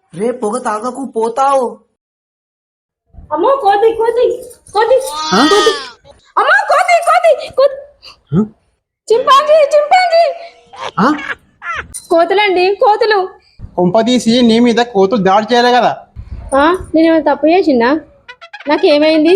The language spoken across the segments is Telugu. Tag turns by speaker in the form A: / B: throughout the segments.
A: రే పొగ తాగకు పోతావు.
B: అమ్మో కోతి కోతి కోతి కోతి అమ్మో కోతి కోతి కోతి చింపాంజీ చింపాంజీ కోతులండి కోతులు.
C: కొంపదీసి నీ మీద కోతులు దాడి చేయలే కదా?
B: నేనేమైనా తప్పు చేసిందా? నాకేమైంది?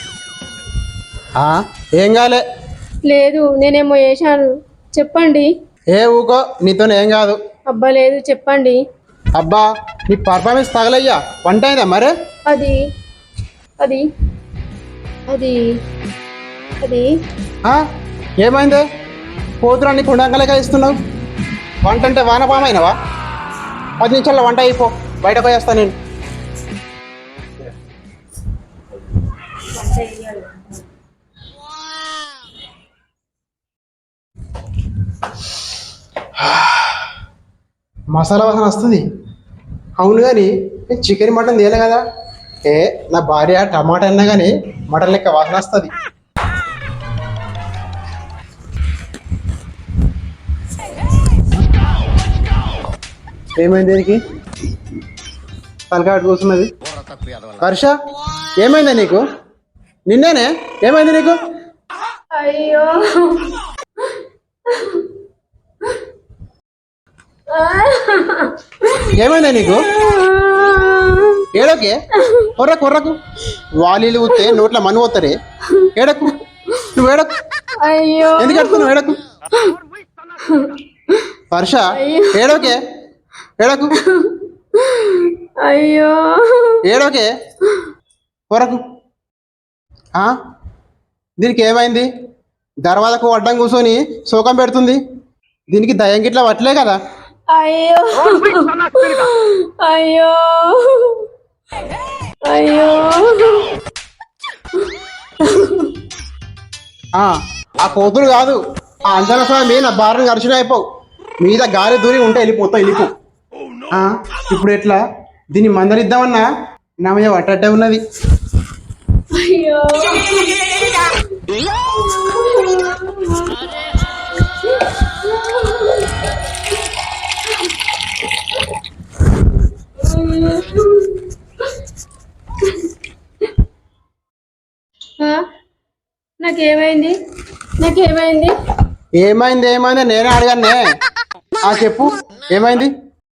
C: ఏం కాలే.
B: లేదు నేనేమో చేశాను, చెప్పండి.
C: ఏ ఊకో, నీతో ఏం కాదు.
B: అబ్బా లేదు చెప్పండి.
C: అబ్బా నీ పర్ఫార్మెన్స్ తగలయ్యా. వంట అయిందా మరే?
B: అది అది అది అది
C: ఏమైంది? కోతులన్నీ కుండంకలేక ఇస్తున్నావు. వంట అంటే వానపామైనవా? 10 నిమిషాల్లో వంట అయిపో, బయట పోయేస్తా నేను. మసాలా వాసన వస్తుంది. అవును కానీ చికెన్ మటన్ తేలే కదా. నా భార్య టమాటా అన్నా కానీ మటన్ లెక్క వాసన వస్తుంది. ఏమైంది దీనికి? తలకాటు కూర్చున్నది. హర్ష ఏమైందా నీకు? నిన్నేనే ఏమైంది నీకు?
B: అయ్యో
C: ఏమైందా నీకు? ఏడోకే కొర్రకు కొర్రకు వాలీలు ఊతే నోట్ల మన్ను పోతారే. ఏడకు, నువ్వు ఏడకు.
B: అయ్యో
C: ఎందుకు అడుగుతున్నావు? ఏడకు హర్ష, ఏడోకే ఏడకు.
B: అయ్యో
C: ఏడోకే కొరకు. దీనికి ఏమైంది? దర్వాజకు అడ్డం కూర్చొని శోకం పెడుతుంది. దీనికి దయ్యం గిట్లా పట్టలే కదా?
B: అయ్యో అయ్యో అయ్యో
C: ఆ కోతులు కాదు, ఆ అంజన స్వామి నా భార్యను ఖర్చులు అయిపోవు. మీద గాలి దూరి ఉంటే వెళ్ళిపోతావు, వెళ్ళిపో. ఇప్పుడు ఎట్లా? దీన్ని మందలిద్దామన్నా నా మీద పట్టట్టే ఉన్నది.
B: అయ్యో నాకేమైంది? నాకేమైంది?
C: ఏమైంది ఏమైంది నేనే అడగానే. చెప్పు ఏమైంది?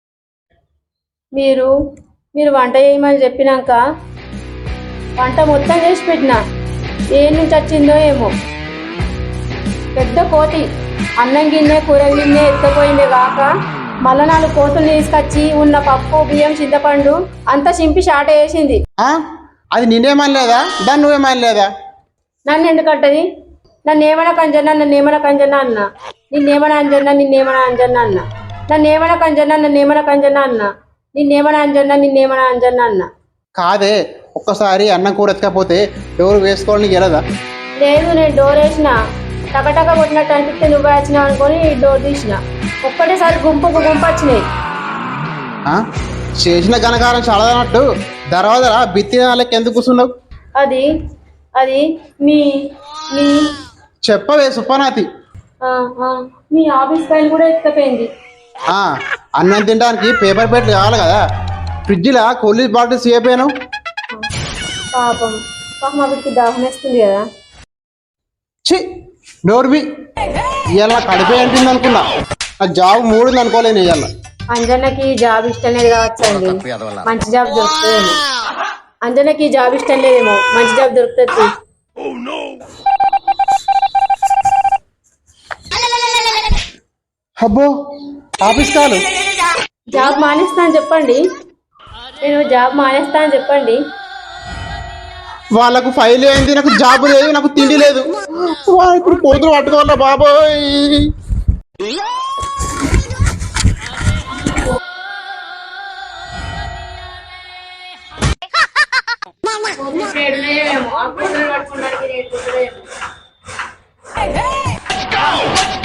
B: మీరు మీరు వంట చేయమని చెప్పినాక వంట మొత్తం చేసి పెట్టినా. ఏ నుంచి వచ్చిందో ఏమో పెద్ద కోతి అన్నం గిన్నె కూర గిన్నె ఎత్తపోయిందే కాక మళ్ళా 4 కోతులు తీసుకొచ్చి ఉన్న పప్పు బియ్యం చింతపండు అంతా చింపి షాట వేసింది.
C: అది నిన్నేమని లేదా? దాన్ని నువ్వేమని లేదా?
B: నన్ను ఎందుకంటది? నన్ను ఏమైనా కంజన్నా నన్ను ఏమైనా కంజన్నా అన్న, నిన్నేమైనా అంజన్నా నిన్నేమైనా అంజన్నా అన్న, నన్ను ఏమైనా కంజన్నా నన్ను ఏమైనా కంజన్నా అన్న, నిన్నేమైనా అంజన్నా నిన్నేమైనా అంజన్నా అన్న.
C: కాదే, ఒక్కసారి అన్నం కూర ఎత్తకపోతే డోర్ వేసుకోవాలని గెలదా?
B: లేదు నేను డోర్ వేసిన టకటక కొట్టినట్టు అనిపిస్తే నువ్వే వచ్చినావు అనుకొని డోర్ తీసిన. ఒక్కటేసారి గుంపుకు గుంపు వచ్చినాయి.
C: చేసిన ఘనకారం చాలదన్నట్టు దర్వాజా బిత్తి వాళ్ళకి ఎందుకు కూర్చున్నావు?
B: అది అది మీ మీ
C: చెప్పవే సుప్పనాతి.
B: మీ ఆఫీస్ ఫైల్ కూడా ఎత్తపోయింది.
C: అన్నం తినడానికి పేపర్ ప్లేట్లు కావాలి కదా. ఫ్రిడ్జ్లో కూలీ బాటిల్స్ అయిపోయాను.
B: పాపం పాపం అవిడికి దాహం వేస్తుంది కదా.
C: చి నోర్వి, ఇవాళ కడిపే అంటుంది అనుకున్నా. ఆ జాబ్ 3 ఉంది అనుకోలేను ఇవాళ.
B: అంజన్నకి జాబ్ ఇష్టం లేదు కావచ్చు అండి, మంచి జాబ్ దొరుకుతుందేమో. అంజన్నకి జాబ్ ఇష్టం లేదేమో, మంచి జాబ్ దొరుకుతుంది.
C: అబ్బో ఆఫీస్ కాలు.
B: జాబ్ మానేస్తా అని చెప్పండి, నేను జాబ్ మానేస్తా అని చెప్పండి.
C: వాళ్ళకు ఫైల్ అయింది, నాకు జాబ్ లేదు, నాకు తిండి లేదు. ఇప్పుడు కోతులు పట్టుకోవాలా బాబోయ్.
B: పట్టుకోవడానికి